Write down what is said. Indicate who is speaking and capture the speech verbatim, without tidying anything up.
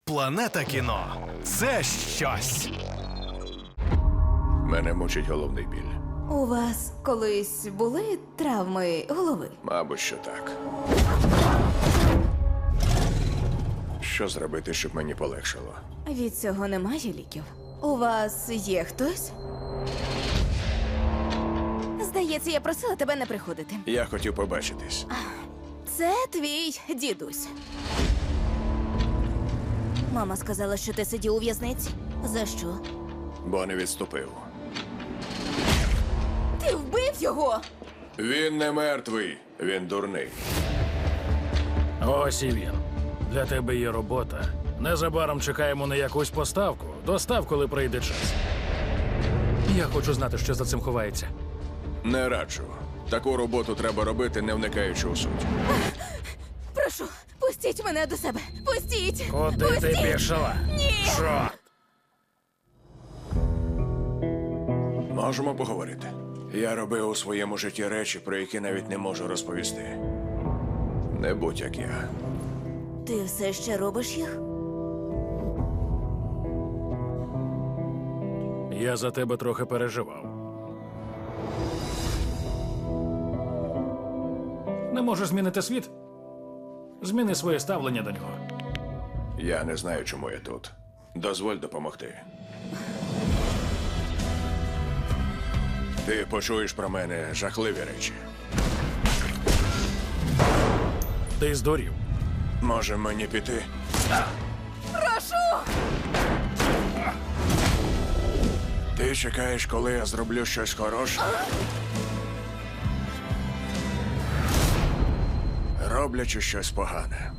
Speaker 1: Планета кіно – це щось.
Speaker 2: Мене мучить головний біль.
Speaker 3: У вас колись були травми голови?
Speaker 2: Мабуть, що так. Що зробити, щоб мені полегшало?
Speaker 3: Від цього немає ліків. У вас є хтось? Здається, я просила тебе не приходити.
Speaker 2: Я хотів побачитись.
Speaker 3: Це твій дідусь. Мама сказала, що ти сидів у в'язниці. За що?
Speaker 2: Бо не відступив.
Speaker 3: Ти вбив його!
Speaker 2: Він не мертвий, він дурний.
Speaker 4: Ось і він. Для тебе є робота. Незабаром чекаємо на якусь поставку. Достав, коли прийде час. Я хочу знати, що за цим ховається.
Speaker 2: Не раджу. Таку роботу треба робити, не вникаючи у суть.
Speaker 3: Прошу, пустіть мене до себе! Пустіть!
Speaker 4: Куди
Speaker 3: пустіть!
Speaker 4: ти пішла?
Speaker 3: Ні!
Speaker 4: Чорт!
Speaker 2: Можемо поговорити. Я робив у своєму житті речі, про які навіть не можу розповісти. Не будь як я.
Speaker 3: Ти все ще робиш їх?
Speaker 4: Я за тебе трохи переживав. Не можеш змінити світ? Зміни своє ставлення до нього.
Speaker 2: Я не знаю, чому я тут. Дозволь допомогти. Ти почуєш про мене жахливі речі.
Speaker 4: Ти здурів.
Speaker 2: Може мені піти?
Speaker 3: Прошу!
Speaker 2: Ти чекаєш, коли я зроблю щось хороше? Роблячи щось погане.